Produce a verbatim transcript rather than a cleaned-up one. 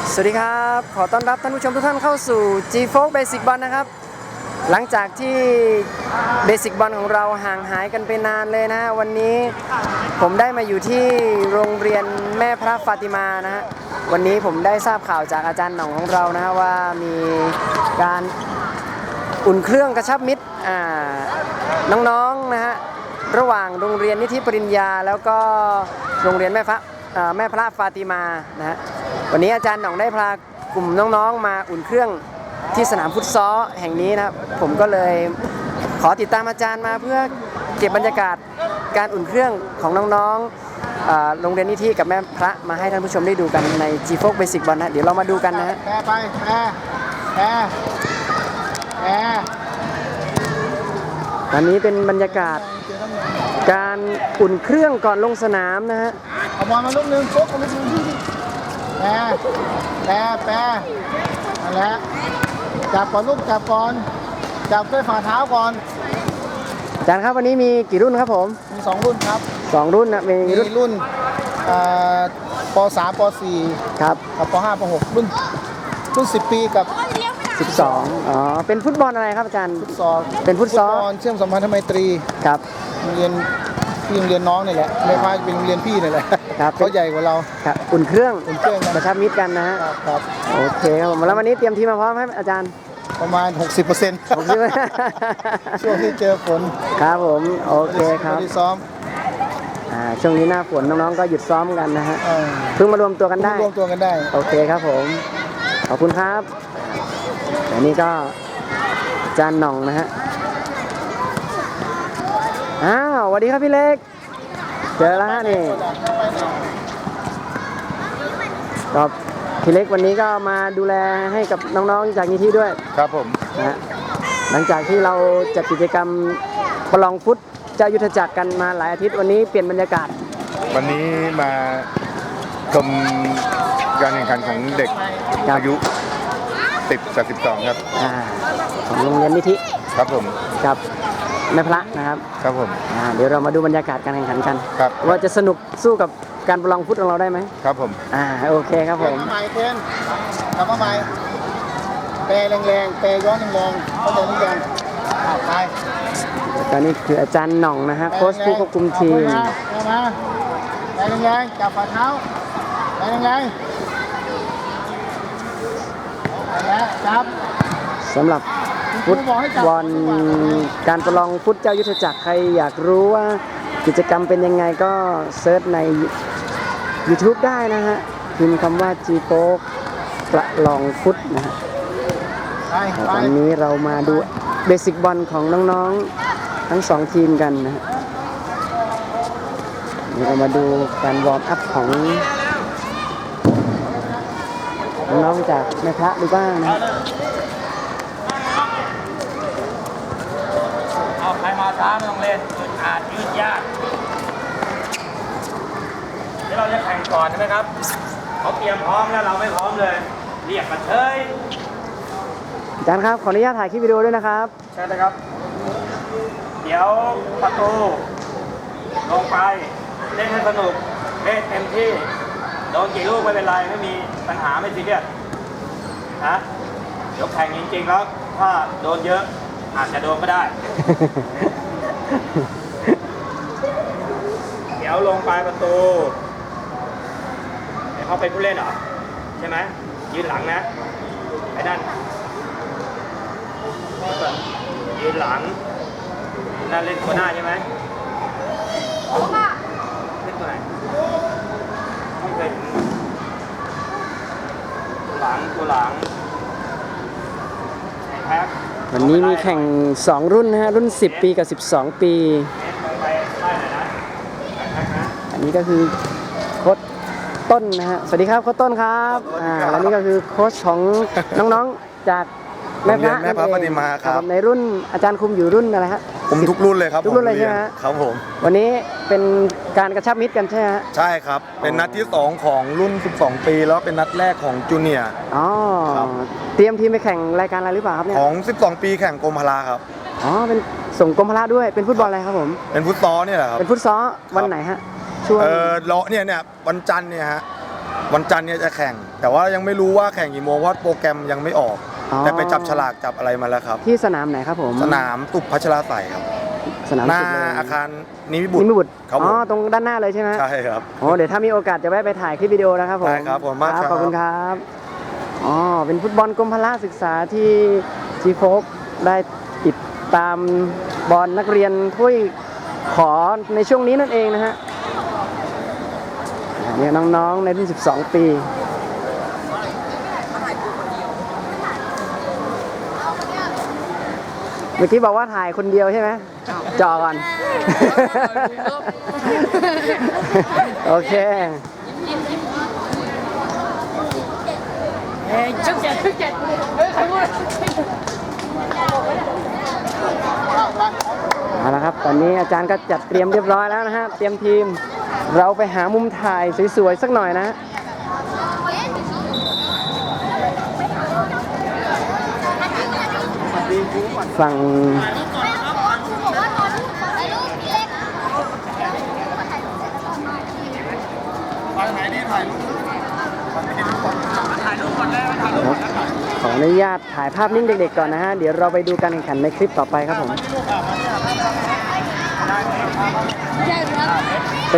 สวัสดีครับขอต้อนรับท่านผู้ชมทุกท่านเข้าสู่ G โฟร์ Basic Ball นะครับหลังจากที่ Basic Ball ของเราห่างหายกันไปนานเลยนะวันนี้ผมได้มาอยู่ที่โรงเรียนแม่พระฟาติมานะฮะวันนี้ผมได้ทราบข่าวจากอาจารย์หน่องของเรานะฮะว่ามีการอุ่นเครื่องกระชับมิตรน้องๆนะฮะระหว่างโรงเรียนนิธิปริญญาแล้วก็โรงเรียนแม่พระแม่พระฟาติมานะฮะวันนี้อาจารย์หน่องได้พากลุ่มน้องๆมาอุ่นเครื่องที่สนามฟุตซอลแห่งนี้นะครับผมก็เลยขอติดตามอาจารย์มาเพื่อเก็บบรรยากาศการอุ่นเครื่องของน้องๆโรงเรียนนิธิกับแม่พระมาให้ท่านผู้ชมได้ดูกันใน G โฟร์ Basic Ball นะเดี๋ยวเรามาดูกันนะฮะแปรไปแปรแปรแปรวันนี้เป็นบรรยากาศการอุ่นเครื่องก่อนลงสนามนะฮะเอาบอลมาลูกหนึ่งโป๊กมาลูกหนึ่งที่แปรแปรแปรนั่นแหละจับก่อนลูกจับก่อนจับด้วยฝ่าเท้าก่อนอาจารย์ครับวันนี้มีกี่รุ่นครับผมมีสองรุ่นครับสองรุ่นนะมีรุ่นรุ่นป.สาม ป.สี่ครับกับป.ห้า ป.หกรุ่นรุ่นสิบปีกับสิบสองอ๋อเป็นฟุตบอลอะไรครับอาจารย์ฟุตซอลเป็นฟุตซอลเชื่อมสัมพันธไมตรีครับโรงเรียนพี่โรงเรียนน้องนี่แหละไม่พาเป็นโรงเรียนพี่นี่แหละครับเขาใหญ่กว่าเราครับอุ่นเครื่องอุ่นเครื่องกระชับมิตรกันนะฮะครับโอเคครับแล้ววันนี้เตรียมทีมมาพร้อมให้อาจารย์ประมาณ หกสิบเปอร์เซ็นต์ ช่วงที่เจอฝนครับผมโอเคครับที่ซ้อมช่วงนี้หน้าฝนน้องๆก็หยุดซ้อมกันนะฮะเพิ่งมารวมตัวกันได้รวมตัวกันได้โอเคครับผมขอบคุณครับอันนี้ก็อาจารย์หน่องนะฮะอ้าวสวัสดีครับพี่เล็กเจอแล้วฮะนี่ก็พี่เล็กวันนี้ก็มาดูแลให้กับน้องๆจากนิธิด้วยครับผมนะฮะหลังจากที่เราจัดกิจกรรมประลองฟุตเจ้ายุทธจักรกันมาหลายอาทิตย์วันนี้เปลี่ยนบรรยากาศวันนี้มาชมการแข่งขันของเด็กอายุสิบกับสิบสองครับของโรงเรียนนิธิครับผมกับแม่พระนะครับครับผมเดี๋ยวเรามาดูบรรยากาศการแข่งขันกันครับว่าจะสนุกสู้กับการประลองฟุตของเราได้ไหมครับผมอ่าโอเคครับผมใหม่เทนทำมาใหม่แปรแรงๆแปรย้อนแรงๆเข้าใจหรือยังไปตอนนี้คืออาจารย์หน่องนะฮะโค้ชผู้ควบคุมทีมมาแปรแรงๆจับฝ่าเท้าแปรแรงๆแล้วจับสำหรับฟุตบอลการประลองฟุตเจ้ายุทธจักรใครอยากรู้ว่ากิจกรรมเป็นยังไงก็เซิร์ชใน YouTube ได้นะฮะพิมพ์คำว่า G โฟร์ ประลองฟุตนะฮะวันนี้เรามาดูเบสิกบอลของน้องๆทั้งสองทีมกันนะฮะนี่เรามาดูการวอร์มอัพของน้องๆจากแม่พระดูบ้างนะเอาใครมาช้าไม่ต้องเล่นยืดอาดยืดยากเดี๋ยวเราจะแข่งก่อนใช่ไหมครับเขาเตรียมพร้อมแล้วเราไม่พร้อมเลยเรียกมาเฉยอาจารย์ครับขออนุญาตถ่ายคลิปวิดีโอด้วยนะครับใช่เลยครับเดี๋ยวประตูลงไปเล่นให้สนุกเล่นเต็มที่โดนกี่ลูกไม่เป็นไรไม่มีปัญหาไม่ซีเรียสนะเดี๋ยวแข่งจริงๆแล้วถ้าโดนเยอะอาจจะโดนก็ได้ เดี๋ยวลงปลายประตูเดี๋ยวเขาเป็นผู้เล่นเหรอใช่ไหมยืนหลังนะไอ้นั่นยืนหลังนั่นเล่นตัวหน้าใช่ไหมเล่นตัวไหนไม่เคยเห็นตัวหลังตัวหลังไอ้แพ็ควันนี้มีแข่งสองรุ่นนะฮะรุ่นสิบปีกับสิบสองปีอันนี้ก็คือโค้ชต้นนะฮะสวัสดีครับโค้ชต้นครับอ่าแล้วนี่ก็คือโค้ชของน้องๆจากแม่พระแม่พระปฏิมาครับในรุ่นอาจารย์คุมอยู่รุ่นอะไรฮะผมทุกรุ่นเลยครับทุกรุ่นเลยใช่ไหมฮะครับผมวันนี้เป็นการกระชับมิตรกันใช่ไหมฮะใช่ครับเป็นนัดที่สองของรุ่นสิบสองปีแล้วเป็นนัดแรกของจูเนียร์อ๋อเตรียมทีมไปแข่งรายการอะไรหรือเปล่าครับเนี่ยของสิบสองปีแข่งกรมพละครับอ๋อเป็นส่งกรมพละด้วยเป็นฟุตบอลอะไรครับผมเป็นฟุตซอลเนี่ยแหละครับเป็นฟุตซอลวันไหนฮะช่วงเออเลาะเนี่ยเนี่ยวันจันทร์เนี่ยฮะวันจันทร์เนี่ยจะแข่ง แต่ว่ายังไม่รู้ว่าแข่งกี่โมงเพราะโปรแกรมยังไม่ออกอ๋อแต่ไปจับฉลากจับอะไรมาแล้วครับที่สนามไหนครับผมสนามตุบพัชราไสยครับสนามหน้าสุดเลยอาคารนิมิบุตนิรมิบุตรครับผมอ๋อตรงด้านหน้าเลยใช่ไหมใช่ครับโอ้เดี๋ยวถ้ามีโอกาสจะแวะไปถ่ายคลิปวิดีโอนะครับผมได้ครับผมมากครับขอบคุณครับอ๋อเป็นฟุตบอลกรมพละศึกษาที่จีโฟกได้ติดตามบอลนักเรียนถ้วยขอในช่วงนี้นั่นเองนะฮะอ่าเนี่ยน้องๆในรุ่นสิบสองปีเมื่อกี้บอกว่าถ่ายคนเดียวใช่ไหมจอก่อน โอเค เอาละครับ ตอนนี้อาจารย์ก็จัดเตรียมเรียบร้อยแล้วนะฮะ เตรียมทีม เราไปหามุมถ่ายสวยๆสักหน่อยนะฮะฝั่งขออนุญาตถ่ายภาพนิ่งเด็กๆก่อนนะฮะ เดี๋ยวเราไปดูการแข่งขันในคลิปต่อไปครับผม